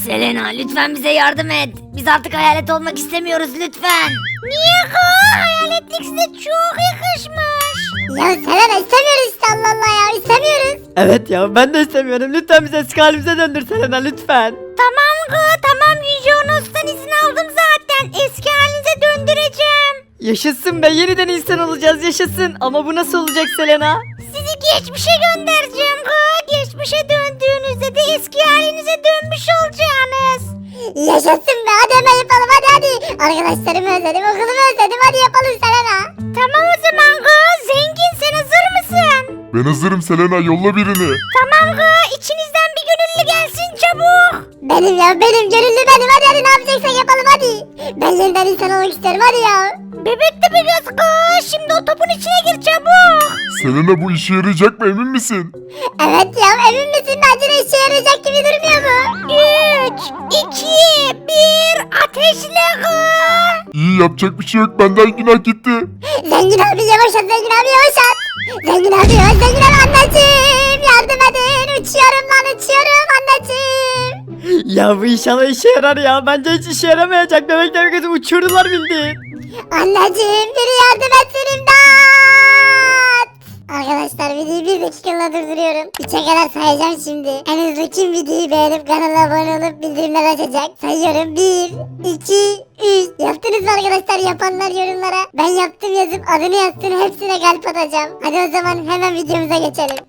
Selena lütfen bize yardım et. Biz artık hayalet olmak istemiyoruz lütfen. Niye kız? Hayaletlik size çok yakışmış. Ya Selena istemiyoruz işte, Allah Allah ya, istemiyoruz. Evet ya, ben de istemiyorum. Lütfen bizi eski halimize döndür Selena, lütfen. Tamam kız tamam, Yüce Onos'tan izin aldım zaten. Eski halinize döndüreceğim. Yaşasın be, yeniden insan olacağız, yaşasın. Ama bu nasıl olacak Selena? Sizi geçmişe göndereceğim kız. Geçmişe döndüğünüzde de eski halinize dönmüş olacaksınız. Yaşasın be, hadi hemen yapalım, hadi. Arkadaşlarımı özledim, okulumu özledim, hadi yapalım Selena. Tamam o zaman kız. Zengin sen hazır mısın? Ben hazırım Selena, yolla birini. Tamam kız. İçinizden bir gönüllü gelsin çabuk. Benim ya, benim gönüllü benim, hadi ne yapacaksak yapalım hadi. Ben yeniden insan olmak isterim, hadi ya. Bebek de bir kız kız. Şimdi o topun içine gir çabuk. Selena, bu işe yarayacak mı, emin misin? Evet ya, emin misin, bence de işe yarayacak gibi durmuyor mu? 3, 2, 1 ateşle kız. İyi, yapacak bir şey yok, benden günah gitti. Zengin abi yavaş at, zengin abi yavaş at. Zengin abi yavaş, zengin abi, anneciğim yardım edin, uçuyorum lan, uçuyorum anneciğim. Ya bu inşallah işe yarar ya. Bence hiç işe yaramayacak. Bebekler kızı uçurdular bildiğin. Anneciğim biri yardım etsin, imdat. Arkadaşlar videoyu bir dakikalığına durduruyorum. 3'e kadar sayacağım şimdi. En hızlı kim videoyu beğenip kanala abone olup bildirimler açacak? Sayıyorum, 1, 2, 3. Yaptınız mı arkadaşlar? Yapanlar yorumlara ben yaptım yazıp adını yazsın, hepsine kalp atacağım. Hadi o zaman hemen videomuza geçelim.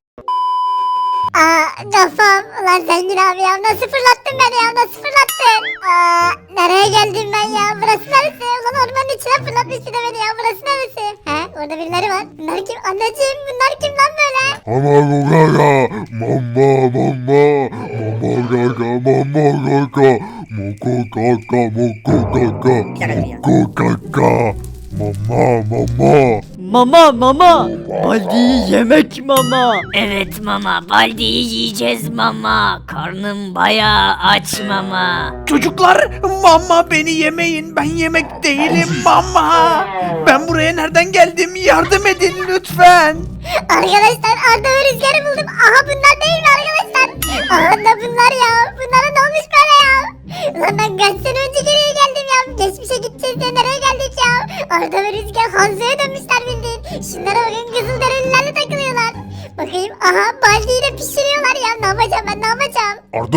Kafam. Ulan zengin abi ya, nasıl fırlattın beni ya, nasıl fırlattın? Nereye geldim ben ya, burası neresi? Ulan ormanın içine fırlatmış bir de beni ya, burası neresi? He, orada birileri var. Bunlar kim? Anneciğim bunlar kim lan böyle? Mama gaga, mama mama, mama gaga, mama gaga, moko gaga, moko gaga, moko gaga, mama mama. Mama. Baldi yemek mama. Evet mama, Baldi'yi yiyeceğiz mama. Karnım bayağı aç mama. Çocuklar, mama beni yemeyin, ben yemek değilim mama. Ben buraya nereden geldim, yardım edin lütfen. Arkadaşlar Arda ve Rüzgar'ı buldum. Aha bunlar değil mi arkadaşlar? Aha da bunlar ya. Bunlara ne olmuş böyle ya? Ulan ben kaç sene önce geriye geldim ya. Geçmişe gideceğiz diye nereye geldik ya? Arda ve Rüzgar Hanzo'ya dönmüşler bildiğin. Şunlara bakın, Kızılderililerle takılıyorlar. Bakayım, aha Baldi'yi de pişiriyorlar ya. Ne yapacağım ben, ne yapacağım?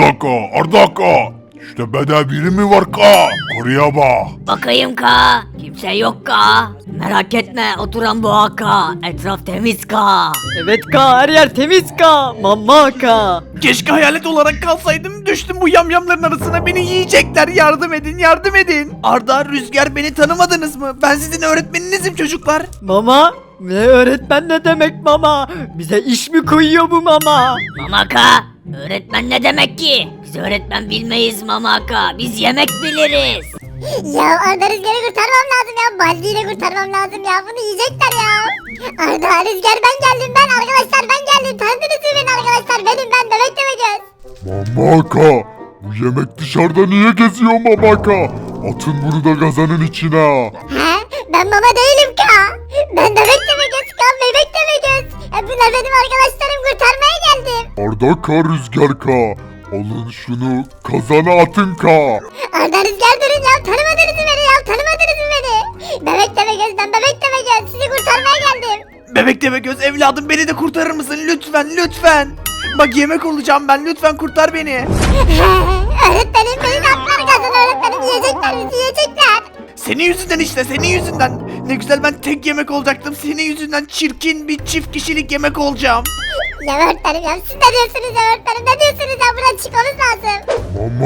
Ardaka. İşte bede biri mi var ka? Koruya bak. Bakayım ka. Kimse yok ka. Merak etme, oturan bu ka. Etraf temiz ka. Evet ka, her yer temiz ka. Mama ka. Keşke hayalet olarak kalsaydım, düştüm bu yamyamların arasına, beni yiyecekler, yardım edin, yardım edin. Arda, Rüzgar, beni tanımadınız mı? Ben sizin öğretmeninizim çocuklar. Mama? Ne öğretmen ne demek mama? Bize iş mi koyuyor bu mama? Mamaka, öğretmen ne demek ki? Biz öğretmen bilmeyiz Mamaka. Biz yemek biliriz. Ya Arda Rüzgar'ı kurtarmam lazım ya. Baldi'yi de kurtarmam lazım ya. Bunu yiyecekler ya. Arda Rüzgar, ben geldim ben arkadaşlar, ben geldim. Tanıdınız mı beni arkadaşlar? Benim, ben Bebek Demegöz. Mamaka. Bu yemek dışarıda niye geziyor mamaka? Atın bunu da gazanın içine. He? Ben mama değilim ka. Ben Bebek Demegöz ka. Bebek Demegöz. Bunlar benim arkadaşlarım, kurtarmaya geldim. Ardaka, Rüzgar ka. Alın şunu, kazana atın ka. Arda Rüzgar durun ya. Tanımadınız mı beni ya? Tanımadınız mı beni? Bebek Demegöz, ben Bebek Demegöz. Sizi kurtarmaya geldim. Bebek deme göz evladım, beni de kurtarır mısın lütfen. Bak yemek olacağım ben, lütfen kurtar beni. Öğretmenim beni de atlar kazan, öğretmenim yiyecekler, bizi yiyecekler. Senin yüzünden işte, senin yüzünden. Ne güzel ben tek yemek olacaktım, senin yüzünden çirkin bir çift kişilik yemek olacağım. Ya öğretmenim ya, siz ne diyorsunuz ya öğretmenim, ne diyorsunuz ya, buradan çıkmamız lazım.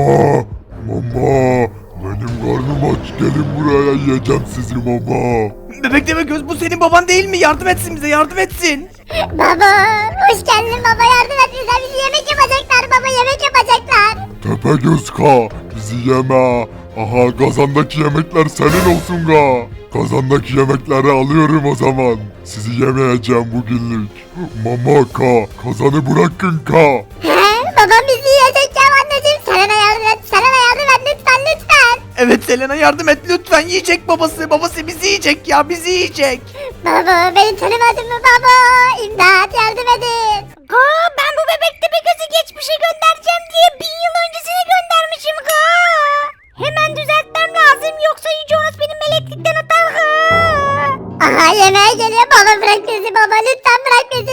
Mama, benim karnım aç, gelin buraya, yiyeceğim sizi mama. Bebek deme göz, bu senin baban değil mi? Yardım etsin bize, yardım etsin. Baba, hoş geldin baba, yardım et bize, bizi yemek yapacaklar baba, yemek yapacaklar. Tepegöz ka, bizi yeme. Aha, kazandaki yemekler senin olsun ka. Kazandaki yemekleri alıyorum o zaman. Sizi yemeyeceğim bugünlük. Mama ka, kazanı bırakın ka. He, babam bizi yiyecek ya anneciğim, Selena yardım et, Selena yardım et lütfen. Evet Selena, yardım et lütfen, yiyecek babası bizi yiyecek ya, bizi yiyecek. Baba, beni tanımadın mı baba, imdat yardım edin. Ben bu bebekte bir gözü geçmişe göndereceğim diye 1000 yıl öncesine göndermişim. Aha yemeğe geliyor. Baba bırak bizi baba. Lütfen bırak bizi.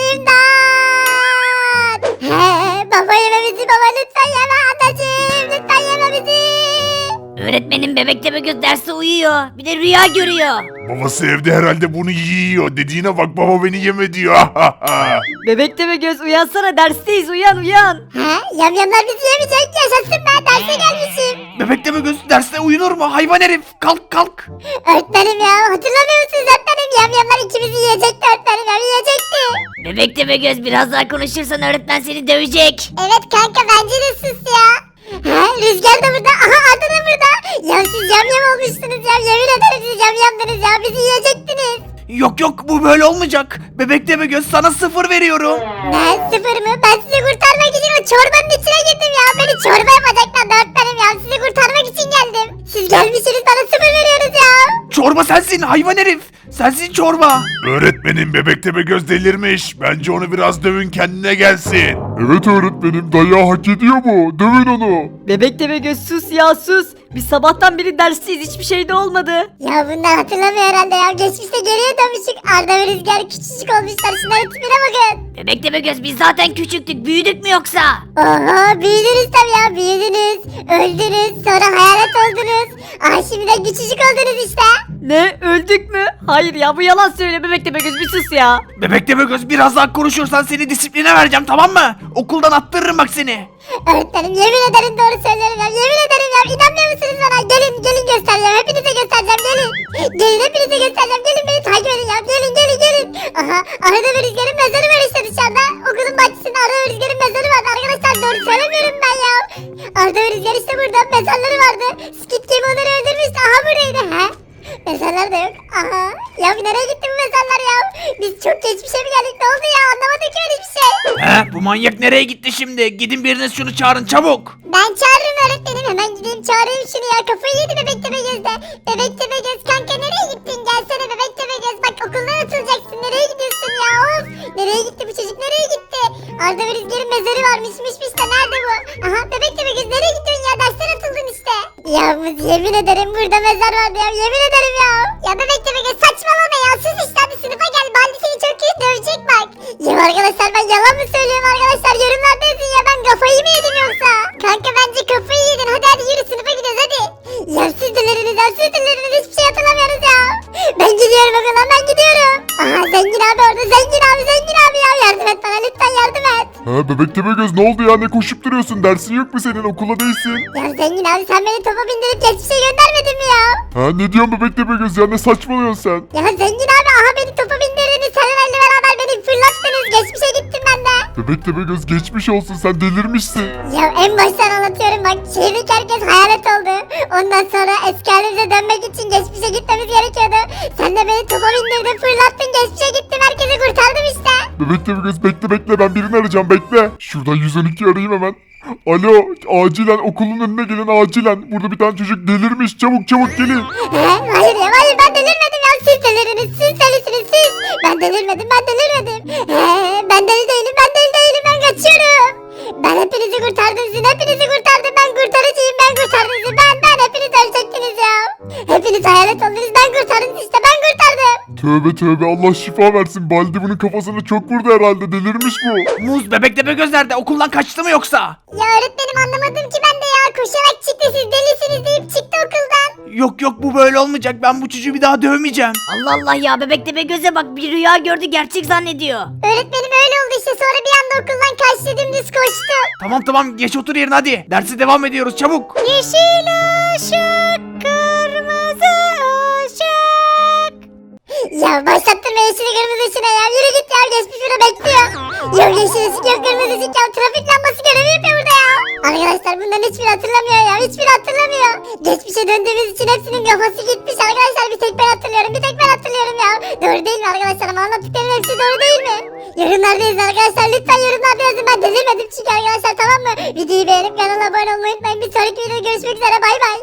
İmdat. Baba yeme bizi baba. Lütfen yeme anneciğim. Lütfen yeme bizi. Öğretmenim Bebek Tepegöz derste uyuyor. Bir de rüya görüyor. Babası evde herhalde bunu yiyor. Dediğine bak, baba beni yeme diyor. Bebek Tepegöz uyansana, dersteyiz, uyan uyan. Yamyamlar bizi yemeyecek. Yaşasın ben derse gelmişim. Bebek Tepegöz derste uyunur mu? Hayvan herif. Kalk kalk. Öğretmenim ya hatırlamıyor musunuz öğretmenim? Yamyamlar ikimizi yiyecekti öğretmenim ya yiyecekti. Bebek Tepegöz biraz daha konuşursan öğretmen seni dövecek. Evet kanka bence de sus ya. Rüzgar da burada. Aha Arda da burada. Ya siz yamyam olmuşsunuz ya. Yemin ederim siz yamyamdınız ya. Bizi yiyecektiniz. Yok yok, bu böyle olmayacak. Bebek Tepegöz sana 0 veriyorum. Ne 0 mı? Ben sizi kurtarmak için o çorbanın içine girdim ya. Beni çorba yapacaklar öğretmenim ya. Sizi kurtarmak için geldim. Siz gelmişsiniz bana 0 veriyoruz ya. Çorba sensin hayvan herif. Sensin çorba. Öğretmenim, Bebek Tepegöz delirmiş. Bence onu biraz dövün, kendine gelsin. Evet öğretmenim, dayağı hak ediyor bu. Dövün onu. Bebek Tepegöz sus ya sus. Biz sabahtan beri dersteyiz, hiçbir şey de olmadı. Ya bunlar hatırlamıyor herhalde ya. Geçmişte geriye dönmüştük. Arda ve Rüzgar küçücük olmuşlar. Şunların tipine bakın. Bebek Tepegöz biz zaten küçüktük, büyüdük mü yoksa? Oha büyüdünüz tabii ya. Büyüdünüz. Öldünüz. Sonra hayalet oldunuz. Ay şimdi de küçücük oldunuz işte. Ne, öldük mü? Hayır ya, bu yalan söyle Bebek Tepegöz, bir sus ya. Bebek Tepegöz biraz daha konuşursan seni disipline vereceğim, tamam mı? Okuldan attırırım bak seni. Öğretmenim yemin ederim doğru söylüyorum ya. Yemin ederim ya. İnanmıyor musunuz bana? Gelin göstereceğim. Hepinize göstereceğim. Gelin. Gelin hepinize göstereceğim. Gelin beni takip edin ya. Gelin. Aha Arda ve Rüzgar'ın mezarı var işte dışarıda. Okulun bahçesinde Arda ve Rüzgar'ın mezarı vardı. Arkadaşlar doğru söylemiyorum ben ya. Arda ve Rüzgar işte burada. Mezarları vardı. Skit Game onları öldürmüştü. Aha buradaydı. Mezarlar da yok. Aha. Ya nereye gitti bu mezarlar ya? Biz çok geçmişe mi geldik? Ne oldu ya? Anlamadım ki öyle bir şey. Bu manyak nereye gitti şimdi? Gidin biriniz şunu çağırın çabuk. Ben çağırırım öğretmenim. Hemen gideyim çağırayım şunu ya. Kafayı yedi Bebek Tepegöz'de. Bebek Tepegöz kanka nereye gittin? Gelsene Bebek Tepegöz. Bak okuldan atılacaksın. Nereye gidiyorsun ya? Of. Nereye gitti bu çocuk? Nereye gitti? Arda ve Rüzgar'ın mezarı varmışmış işte. Nerede bu? Aha Bebek Tepegöz nereye gidiyorsun ya? Dersten atıldın işte. Ya yemin ederim burada mezar vardı ya. Yemin ederim ya. Ya Bebek Tepegöz saçmalama ya. Sus işte hadi sınıfa gel. Baldi seni çok kötü dövecek bak. Ya arkadaşlar ben yalan mı söylüyorum arkadaşlar? Yorumlarda yazın ya. Ben kafayı mı yedim yoksa? Kanka bence kafayı yedin. Hadi yürü sınıfa gidiyoruz hadi. Yersiz dilleriniz hiçbir şey hatırlamıyoruz ya. Ben gidiyorum okuldan ben gidiyorum. Aha zengin abi orada zengin abi ya. Yardım et bana lütfen yardım et. Bebek Tepegöz ne oldu ya, ne koşup duruyorsun? Dersin yok mu senin, okula değilsin? Ya zengin abi sen beni topa bindirip geçmişe göndermedin mi ya? Ne diyorsun Bebek Tepegöz ya, ne saçmalıyorsun sen? Ya zengin abi aha beni topa bindirdiniz. Seninle beraber beni fırlattınız. Geçmişe gittim ben de. Bebek Tepegöz geçmiş olsun, sen delirmişsin. Ya en baştan anlatıyorum bak. Şehirdeki herkes hayalet oldu. Ondan sonra eski halimize dönmek için geçmişe gitmemiz gerekiyordu. Sen de beni topa bindirdin fırlattın geçmişe gittim herkesi kurtardım işte. Bebek Tepegöz bekle, ben birini arayacağım, bekle. Şuradan 112 arayayım hemen. Alo, acilen okulun önüne gelin acilen. Burada bir tane çocuk delirmiş, çabuk gelin. Hayır ya hayır ben delirmedim ya siz delirdiniz siz delisiniz siz. Ben delirmedim. Ben deli değilim ben kaçıyorum. Ben hepinizi kurtardım sizin hepinizi kurtardım ben kurtarıcıyım ben kurtardım sizi ben hepiniz ölecektiniz ya. Hepiniz hayalet oldunuz ben kurtardım işte ben kurtardım. Tövbe Allah şifa versin. Baldi bunun kafasını çok vurdu herhalde, delirmiş bu. Muz, Bebek Tepegöz nerede? Okuldan kaçtı mı yoksa? Ya öğretmenim anlamadım ki ben de ya koşarak çıktı siz delisiniz deyip çıktı okuldan. Yok bu böyle olmayacak. Ben bu çocuğu bir daha dövmeyeceğim. Allah Allah ya, Bebek Tepegöz'e bak, bir rüya gördü, gerçek zannediyor. Öğretmenim öyle oldu işte sonra bir anda okuldan kaçtı dümdüz koştu. Tamam geç otur yerine hadi. Derse devam ediyoruz çabuk. Yeşil ışık, kırmızı ışık. Ya başlattın be yeşil kırmızı ışığına ya. Yürü git ya geçmiş burada bekliyor. Yok yeşil ışık yok kırmızı ışık ya. Trafik lambası görevi yapıyor burada ya. Arkadaşlar bunların hiçbiri hatırlamıyor ya. Hiçbiri hatırlamıyor. Geçmişe döndüğümüz için hepsinin kafası gitmiş arkadaşlar. Bir tek ben hatırlıyorum ya. Doğru değil mi arkadaşlar ama anlattıklarım hepsi doğru değil mi? Yorumlarda yazın arkadaşlar. Lütfen yorumlarda yazın. Ben delirmedim çünkü arkadaşlar tamam mı? Videoyu beğenip kanala abone olmayı unutmayın. Bir sonraki videoda görüşmek üzere. Bay bay.